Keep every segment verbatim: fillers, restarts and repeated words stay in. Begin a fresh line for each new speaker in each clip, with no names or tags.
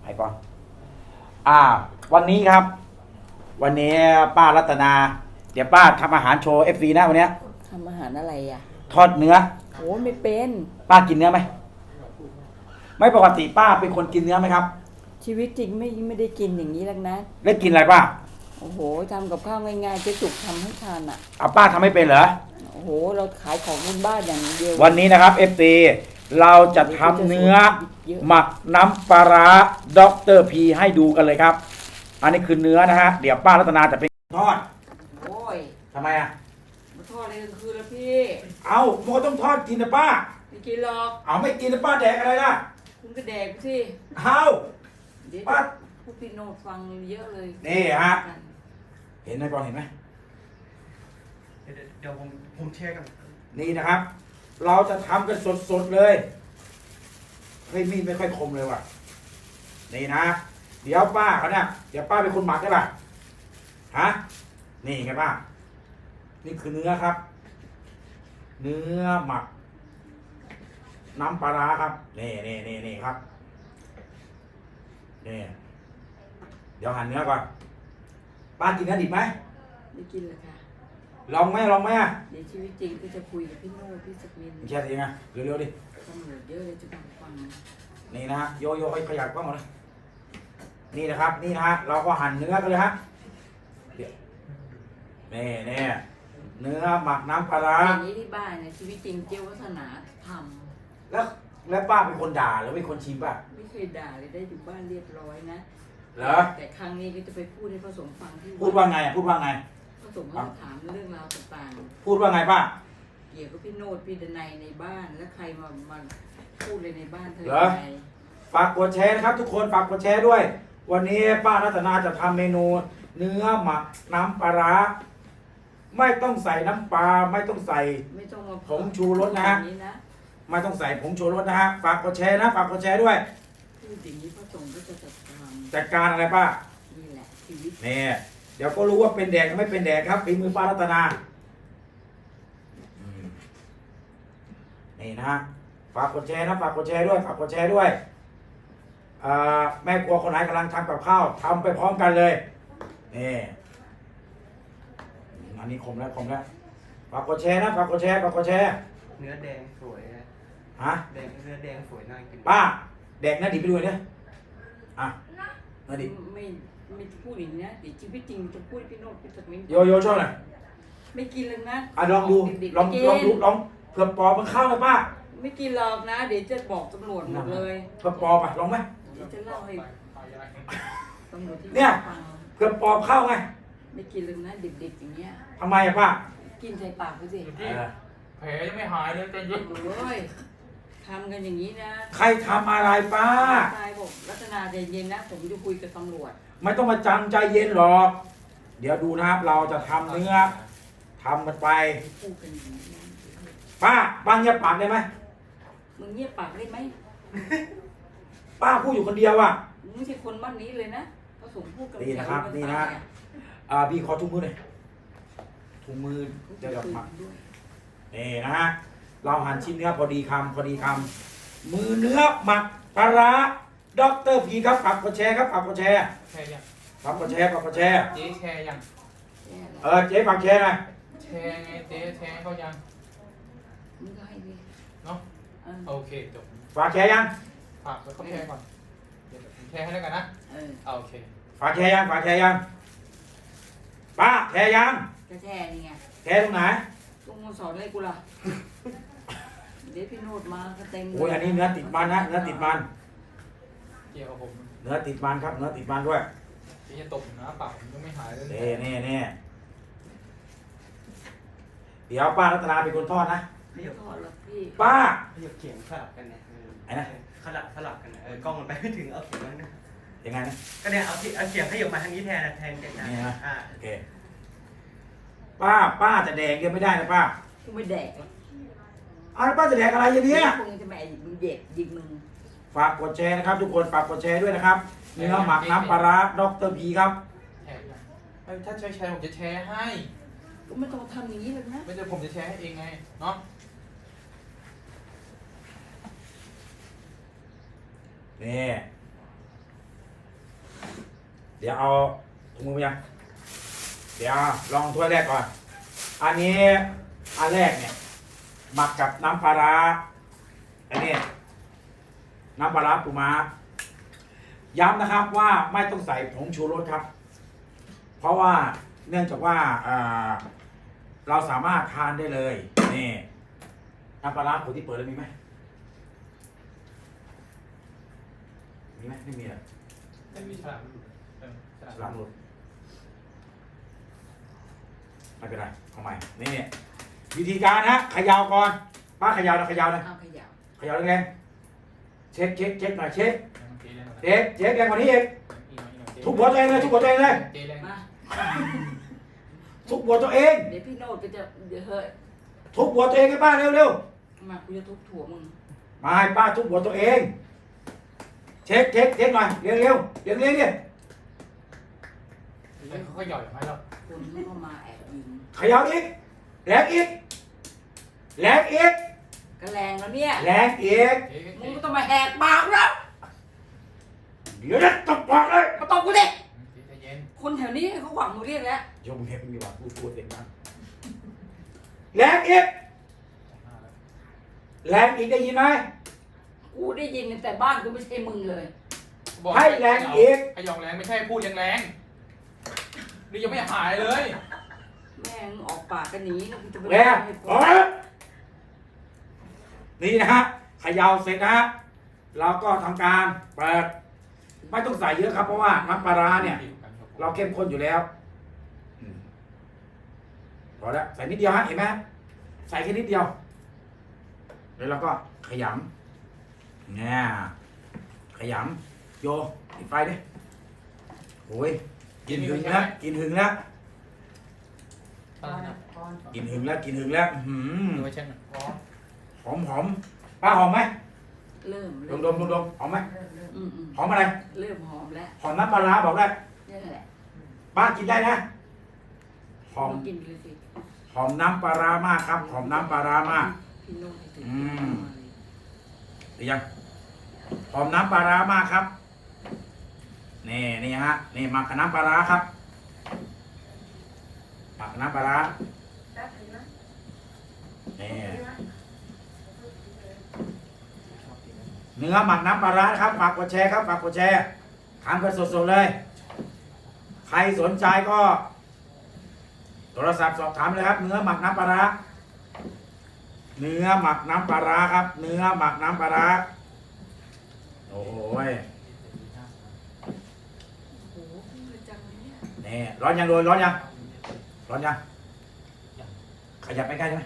อ้ปอนอ่า วันนี้ครับ วันนี้ป้ารัตนา เดี๋ยวป้าทำอาหารโชว์เอฟซีนะวันเนี้ย
ทำอาหารอะไรอ่ะ
ทอดเนื้อ
โอ้ไม่เป็น
ป้ากินเนื้อไหม ไม่ปกติป้าเป็นคนกินเนื้อไหมครับ
ชีวิตจริงไม่ไม่ได้กินอย่างนี้แล้วนะ
ได้กินอะไรป้า
โอ้โหทำกับข้าวง่ายๆเจะจุกทำให้ทานอ่ะ
เอาป้าทำไม่เป็นเหรอ
โอ้โหเราขายของบนบ้านอย่างเดียว
วันนี้นะครับเอฟซีเราจะทำเนื้อหมักน้ำปลาร้าด็อกเตอร์พีให้ดูกันเลยครับ อันนี้คือเนื้อนะฮะ เดี๋ยวป้ารัตนาจะเป็นทอด
โอ้ย
ทำไมอ่ะ
มาทอดอะไรกลางคืนแล้วพี่
เอามันก็ต้องทอดกินนะป้า
ไม่กินหรอก
เอาไม่กินนะป้าแดกอะไรล่ะ
คุณก็แดกสิ
เอา
เดี๋ยว
ป้า
พวกพี่โนดฟังเยอะเลย
นี่ฮะ เห็นไหมปอนเห็นไหม
เดี๋ยวเดี๋ยวผมผมแชร์กัน
นี่นะครับ เราจะทำกันสดๆเลยเฮ้ยมีดไม่ค่อยคมเลยว่ะ นี่นะ เดี๋ยวป้าเขาเนี่ย เดี๋ยวป้าเป็นคนหมักได้ป่ะ ฮะ นี่ไงป้า นี่คือเนื้อครับ เนื้อหมัก น้ำปลาร้าครับ นี่นี่นี่นี่ครับ นี่ เดี๋ยวหั่นเนื้อก่อน ป้ากินเนื้อดิบไหม
ไม่กินเลยค่ะ
ลองไหมลองไหมอ่ะ
เดี๋ยวชีวิตจริงก็จะคุยกับพี่โนดพี่สมิน
แค่ทีไงเร็วๆดิ
ตำรวจเยอะเลยจะฟังฟัง
นี่นะฮะโยโย่ให้ขยับกล้องมาเลยนี่นะครับ นี่นะฮะเราก็หั่นเนื้อกันเลยฮะเดี๋ยวนี่นี่เนื้อหมักน้ำปลาร้า
อย่างนี้ที่บ้านเนี่ยชีวิตจริงเจ้าวัฒนาทำ
แล้วแล้วป้าเป็นคนด่าหรือเป็นคนชิมป่ะ
ไม่เคยด่าเลยได้อยู่บ้านเรียบร้อยนะ
เหรอ
แต่ครั้งนี้ก็จะไปพูดให้พระสงฆ์ฟังที่
พูดว่าไงอ่ะพูดว่าไง
พระสงฆ์ก็จะถามเรื่องราวต่าง
พูดว่าไงป้า
ๆเกี่ยวกับพี่โนดพี่ดนัยในบ้านและใครมามาพูดเลยในบ้านเธอ
เหรอ
ไง
ฝากกดแชร์นะครับ ทุกคนฝากกดแชร์ด้วย วันนี้ป้ารัตนาจะทำเมนู เนื้อหมักน้ำปลาร้าไม่ต้องใส่น้ำปลาไม่ต้องใส่
ไม่ต้องมา
ผงชูรสนะฮะ
พูดอย่างนี้นะ
ไม่ต้องใส่ผงชูรสนะฮะฝากกดแชร์นะฝากกดแชร์ด้วย
พูดอย่างนี้พระสงฆ์ก็จะจัดการ
จัดการอะไรป้า
นี่แหละชีวิต
นี่เดี๋ยวก็รู้ว่าเป็นแดกหรือไม่เป็นแดกครับฝีมือป้ารัตนาอืมนี่นะฮะฝากกดแชร์นะฝากกดแชร์ด้วยฝากกดแชร์ด้วยอ่าแม่ครัวคนไหนกำลังทำกับข้าวทำไปพร้อมกันเลยนี่อันนี้คมแล้วคมแล้วฝากกดแชร์นะฝากกดแชร์ฝากกดแชร์
เนื้อแดงสวยนะ
ฮะ
แดงเนื้อแดงสวยน่ากิน
ป้าแดกหน้าดิบไปด้วยเนี่ยอ่ะหน้าดิบ
ไม่ไม่พูดอย่างนี้นะเดี๋ยวชีวิตจริงจะพูดให้พี่โนดพี่สมิน
โยโย่ช่วยหน่อย
ไม่กินเลยนะ
อ่ะลองดู
เด็กๆ
ลอง
ไม่กิน
ลองดูลองเผื่อปอมันเข้าเลยป้า
ไม่กินหรอกนะ เดี๋ยวจะบอกตำรวจหมดเลย
เผื่อปอไปลองไหม
เดี๋ยวจะเล่าให้ตำรวจที่
เนี่ย
ฟัง
เผื่อปอเข้าไง
ไม่กินเลยนะเด็กๆอย่างเงี้ย
ทำไมอะป้า
กินใส่ปากไปสิ
เออ
แผลยังไม่หายเลยใจเย็น
โอ้ยทำกันอย่างนี้นะ
ใครทำอะไรป้า
ตายบอกรัตนาใจเย็นนะ ผมจะคุยกับตำรวจ
ไม่ต้องมาจังใจเย็นหรอก เดี๋ยวดูนะครับ เราจะทำเนื้อทำมันไป
พูดกันอย่างนี้นะ
ป้าป้าเงียบปากได้ไหม
มึงเงียบปากได้ไหม
ป้าพูดอยู่คนเดียวอะ
มึงไม่ใช่คนบ้านนี้เลยนะพระสงฆ์พูดกัน
นี่นะครับนี่นะ อ่าพี่ขอถุงมือหน่อยถุงมือจะดอกหมัก
ด้วย
นี่นะฮะ เราหั่นชิ้นเนื้อพอดีคำพอดีคำมือเนื้อหมักปลาร้าด็อกเตอร์พีครับฝากกดแชร์ครับฝากกดแชร์
แชร์ยัง
ฝากกดแชร์ฝากกดแชร์
เจ๊แชร์ยัง
แย่แล้ว
เออเจ๊ฝากแชร์หน่อย
แชร์ไงเจ๊แชร์เขายัง
มึงก็ให้ดิ
เนาะ
เออ
โอเคจบ
ฝากแชร์ยัง
ฝากเขาแชร์ก่อนเดี๋ยวผมแชร์ให้แล้วกันนะ
เออ
เอาโอเค
ฝากแชร์ยังฝากแชร์ยังป้าแชร์ยัง
ก็แช่นี่ไง
แชร์ตรงไหน
ลุงมาสอนอะไรกูล่ะ เดี๋ยวพี่โนดมาก็เต็มเลย
โอ้ยอันนี้เนื้อติดมันนะเนื้อติดมัน
เกี่ยวกับผม
เนื้อติดมันครับเนื้อติดมันด้วย
เจ๊จะตบนะเปล่าผมยังไม่หายเลย
เน่เน่เน่เดี๋ยวป้ารัตนาเป็นคนทอดนะ
ขยับ
ทอดแล้วพี่
ป้า
ขยับเขียงสลับกันเนี่ยเออ
ไอ้นะ
สลับสลับกันนะเออกล้องมันไปไม่ถึงเอาเขียงมันนะ
ยังไงนะ
ก็เนี่ยเอาที่เอาเขียงขยับมาทางนี้แทนนะแทนกันนะ
นี่นะ
อ่า
โอเคป้าป้าจะแดกเดียวไม่ได้นะป้า
กูไม่แดกหรอก
เอาแล้วป้าจะแดกอะไรอย่างเนี้ย
คงจะแม่มึงเด็กยิงมึง
ฝากกดแชร์นะครับ ทุกคนฝากกดแชร์ด้วยนะครับเนื้อหมักน้ำปลาร้าด็อกเตอร์พีครับ
แชร์ยังเอ้ยถ้าใช้แชร์ผมจะแชร์ให้
ก็ไม่ต้องทำอย่างนี้เลยนะ
ไม่ใช่ผมจะแชร์ให้เองไงเนาะ
นี่เดี๋ยวเอาถุงมือมายังเดี๋ยวลองถ้วยแรกก่อน อันนี้อันแรกเนี่ยหมักกับน้ำปลาร้าอันนี้น้ำปลาร้าปูม้าย้ำนะครับว่าไม่ต้องใส่ผงชูรสครับ เพราะว่าเนื่องจากว่าเอ่อเราสามารถทานได้เลยนี่น้ำปลาร้าขวดที่เปิดแล้วมีไหมมีไหมไม่มีอ่ะ
ไม่มีฉลากหลุดเออฉลาก
ฉลามหลุดไม่เป็นไรเอาใหม่นี่วิธีการฮะเขยาวก่อนป้าเขยาวนะเขยาวนะ
เอาขยับ
เขยาวแรงๆเช็คเช็คเช็คหน่อยเช็ค
เจ๊แรงกว่านั้น
เด็กเช็คแรงกว่านี้อีก
อีกหน่อยอีกหน่อยเจ๊
ทุบหัวตัวเองเลยทุบหัวตัวเองเลย
เจ๊แรง
มา
ทุบหัวตัวเอง
เดี๋ยวพี่โนดก็จะเดี๋ยวเฮ้ย
ทุบหัวตัวเองให้ป้าเร็วเร็ว
มากูจะทุบถั่วมึง
ๆมาให้ป้าทุบหัวตัวเองเช็คเช็คเช็คหน่อยเร็วเร็วเร็วเร็วเนี่ย
แล้วเขาก็หย่อยออกมาแล้ว
คนเข้ามาแอบยิง
เขยาวอีกแรงอีกแรงอีก
ก็แรงแล้วเนี่ย
แรงอีก
เจ๊
มึ
เจ๊
งก็ต้องมาแหกปากแล้ว
เดี๋ยวนะตบปากเลย
มาตบกูดิ
เจ๊ใจเย็น
คนแถวนี้เขาหวังมึงเรียกแล้ว
ยกมือให้มึงดีกว่าพูดพูดเสียงดังแรงอีก
สองหน้าแล้ว
แรงอีกได้ยินไหม
กูได้ยินแต่บ้านกูไม่ใช่มึงเลย
บอก
ให้แรงอีก
ให้หยองแรงไม่ใช่พูดแรงๆนี่ยังไม่หายเลย
แม่งออกปากกันหนีนะกูจะไป
แรง
ให้
อ๋อนี่นะฮะเขยาวเสร็จนะฮะเราก็ทำการเปิดไม่ต้องใส่เยอะครับเพราะว่าน้ำปลาร้าเนี่ย เราเข้มข้นอยู่แล้วอืมพอแล้วใส่นิดเดียวฮะเห็นไหมใส่แค่นิดเดียวแล้วเราก็ขยำเนี่ยขยำโยปิดไฟดิโอ้ยกินหึงแล้วกินหึงแล้ว
ก่อนนะก่อน
กินหึงแล้วกินหึงแล้วอื้อหื
ดู
อ
ไว้เช่นกันอ๋อ
หอมหอมป้าหอมไหม
เริ่ม
ด
เริ่
ม
ม
ดมดมดมหอมไหม
อืมอืม
หอมอะไร
เริ่มหอมแล้ว
หอมน้ำปลาร้าบอกได้
นี่แหละ
ป้ากินได้นะหอม
กินเลยสิ
หอมน้ำปลาร้ามากครับหอมน้ำปลาร้ามาก
พี่โน้ตให้ถึง
อืม หรือยังหอมน้ำปลาร้ามากครับนี่นี่ฮะนี่หมักกับน้ำปลาร้าครับหมักกับน้ำปลาร้านี่เนื้อหมักน้ำปลาร้าครับฝากกดแชร์ครับฝากกดแชร์ทานกันสดๆเลย ใครสนใจก็ โทรศัพท์สอบถามเลยครับ เนื้อหมักน้ำปลาร้าเนื้อหมักน้ำปลาร้าครับ เนื้อหมักน้ำปลาร้าโอ้ย
โอ้โหเลยจังเลยเนี่ย
นี่ร้อนยังโดยร้อนยังร้อนยังขยับไปใกล้ใช่ไหม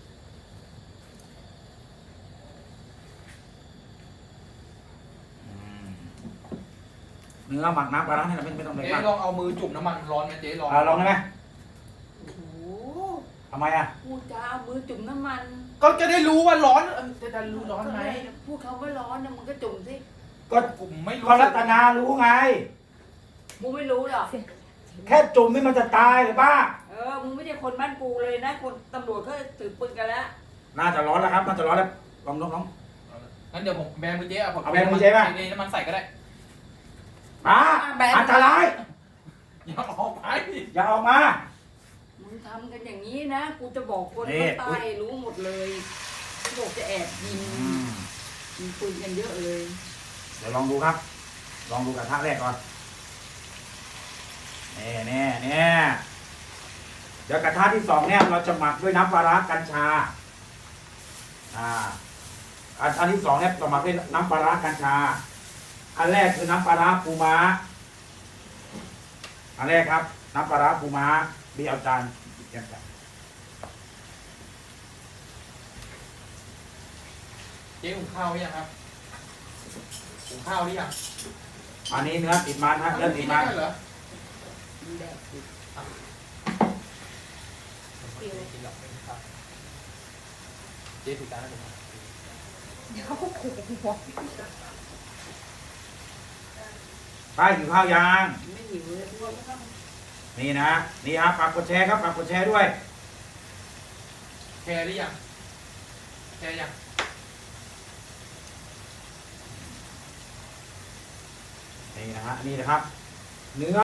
อืมเนื้อหมักน้ำปลาร้าเนี่ยไม่ไม่ต้องเลย
เจ๊
มาก
ลองเอามือจุ่มน้ำมันร้อนไหมเจ๊ลอง
อ่าลองได้ไหม
โอ้โห
ทำไมอ่ะ
พูดจาเอามือจุ่มน้ำมัน
ก็จะได้รู้ว่าร้อนเออจะได้รู้ร้อนไหม
พูดคำว่าร้อนนะมึงก็จุ่มสิ
ก็
ผมไม่รู้
ก็รัตนารู้ไง
มึงไม่รู้หรอก
แค่จุ่มนี่มันจะตายหรือป้า
เออมึงไม่ใช่คนบ้านกูเลยนะคนตำรวจเขาถือปืนกันแล้ว
น่าจะร้อนแล้วครับ น่าจะร้อนแล้วลองลองลอง
งั้นเดี๋ยวผมแบมือเจ๊อะผม
เอาแบมือเจ๊ป่ะ
เจ๊น้ำมันใส่ก็ได้
ป้าอันตราย
อย่าออกไป
อย่าออกมา
มึงทำกันอย่างนี้นะกูจะบอกคน
นี่
เขาตายรู้หมดเลยเขาบอกจะแอบยิงยิงปืนกันเยอะเลย
เดี๋ยวลองดูครับ ลองดูกระทะแรกก่อนแน่แน่แน่เดี๋ยวกระทะที่สองเนี่ยเราจะหมักด้วยน้ำปลาร้ากัญชา อ่า อันอันที่สองเนี่ยเราหมักด้วยน้ำปลาร้ากัญชา อันแรกคือน้ำปลาร้าปูม้า อันแรกครับ น้ำปลาร้าปูม้าบีเอาจานเก็บจาน
เจ๊หุงข้าวหรือยังครับหุงข้าวหรือยัง
อันนี้เนื้อติดมันฮะเนื้อติดมัน
กินได้เหรอ
มึงแดกสิ
ไม่ได้กินหรอกไม่ได้ครับเจ๊ถูกจานแล้วผม
ป้าหิวข้าวยัง
ไม่หิวเลยพวก
นี่นะ นี่ครับฝากกดแชร์ครับฝากกดแชร์ด้วย
แชร์หรือยังแชร์ยัง
นี่นะฮะ นี่นะครับ เนื้อ